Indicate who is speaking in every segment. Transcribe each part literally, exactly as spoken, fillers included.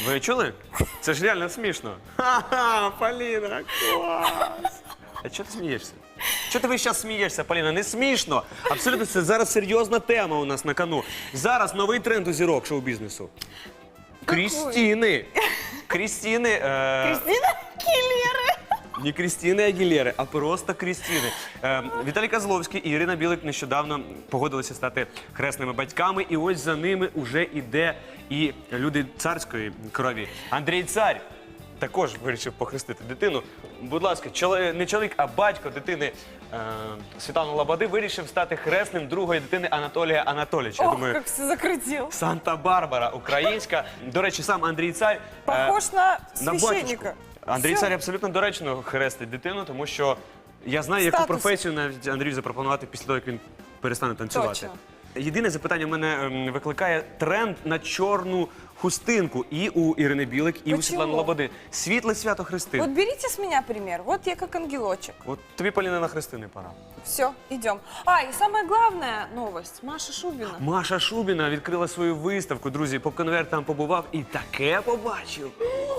Speaker 1: Ви чули? Це ж реально смішно. Ха-ха, Поліна, клас! А чого ти смієшся? Чого ти весь час смієшся, Поліна? Не смішно. Абсолютно, це зараз серйозна тема у нас на кону. Зараз новий тренд у зірок шоу-бізнесу. Крістіни. Крістіни. Е...
Speaker 2: Кристина Агілєри.
Speaker 1: Не Крістіни Агілєри, а просто Крістіни. Е, Віталій Козловський і Ірина Білик нещодавно погодилися стати хресними батьками. І ось за ними вже іде і люди царської крові. Андрій Цар також вирішив похрестити дитину. Будь ласка, чоловік, не чоловік, а батько дитини е, Світлани Лободи вирішив стати хресним другої дитини Анатолія Анатолійовича. Я
Speaker 2: Ох,
Speaker 1: думаю,
Speaker 2: как все закрутил.
Speaker 1: Санта-Барбара українська. До речі, сам Андрій Цар е,
Speaker 2: Похож на
Speaker 1: на
Speaker 2: священника.
Speaker 1: батюшку. Андрій
Speaker 2: Всё.
Speaker 1: Цар абсолютно доречно хрестить дитину, тому що я знаю, яку
Speaker 2: Статус.
Speaker 1: професію навіть Андрію запропонувати після того, як він перестане танцювати.
Speaker 2: Точно.
Speaker 1: Єдине запитання в мене ем, викликає тренд на чорну хустинку і у Ірини Білик, і у
Speaker 2: Почему?
Speaker 1: Світлани Лободи. Світле свято Христин.
Speaker 2: Вот берите с меня пример. Вот я как ангелочек.
Speaker 1: От тобі, Поліна, на хрестини пора.
Speaker 2: Все, идем. А, и самая главная новость. Маша Шубина.
Speaker 1: Маша Шубіна відкрила свою виставку. Друзі, поп-конверт там побував і таке побачив.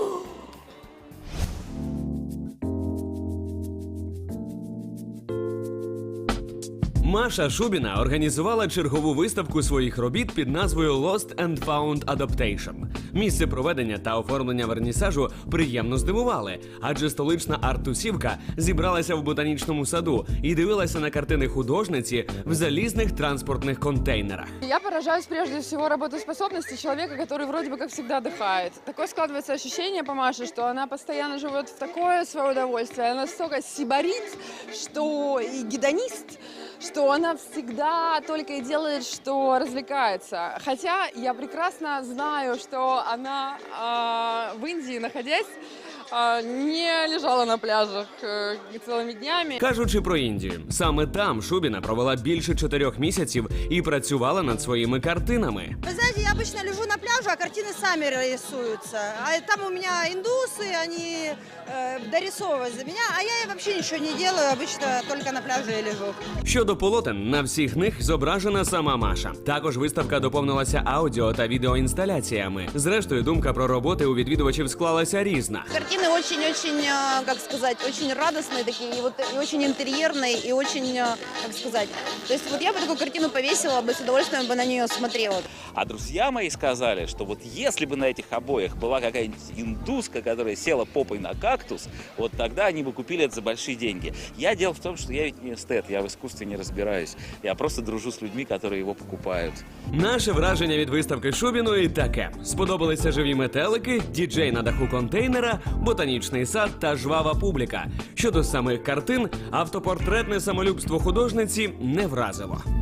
Speaker 3: Маша Шубіна організувала чергову виставку своїх робіт під назвою Lost and Found Adaptation. Місце проведення та оформлення вернісажу приємно здивували, адже столична арт-тусівка зібралася в ботанічному саду і дивилася на картини художниці в залізних транспортних контейнерах.
Speaker 4: Я поражаюсь прежде всего работоспособности человека, который вроде бы как всегда отдыхает. Такое складывается ощущение по Маше, что она постоянно живет в такое свое удовольствие. Она настолько сибарит, что и гедонист, что она всегда только и делает, что развлекается. Хотя я прекрасно знаю, что она э, в Индии, находясь, э, не лежала на пляжах э, целыми днями.
Speaker 3: Кажучи про Індію, саме там Шубіна провела більше чотирьох місяців і працювала над своїми картинами.
Speaker 5: Вы знаете, я обычно лежу на пляже, а картины сами рисуются. А там у меня индусы, они э, дорисовывают за меня, а я вообще ничего не делаю, обычно только на пляже и лежу.
Speaker 3: Щодо полотен, на всіх них зображена сама Маша. Також виставка доповнилася аудіо та відеоінсталяціями. Зрештою, думка про роботи у відвідувачів склалася різна.
Speaker 5: Картины очень-очень, как сказать, очень радостные такие, и, вот, и очень интерьерные, и очень, как сказать, то есть вот я бы такую картину повесила бы, с удовольствием бы на нее смотрела.
Speaker 6: А друзья мои сказали, что вот если бы на этих обоях была какая-нибудь индуска, которая села попой на кактус, вот тогда они бы купили это за большие деньги. Я дело в том, что я ведь не эстет, я в искусстве не разбираюсь. Я просто дружу с людьми, которые его покупают.
Speaker 3: Наше враження від виставки Шубіної таке. Сподобалися живі метелики, діджей на даху контейнера, ботанічний сад та жвава публіка. Щодо самих картин, автопортретне самолюбство художниці не вразило.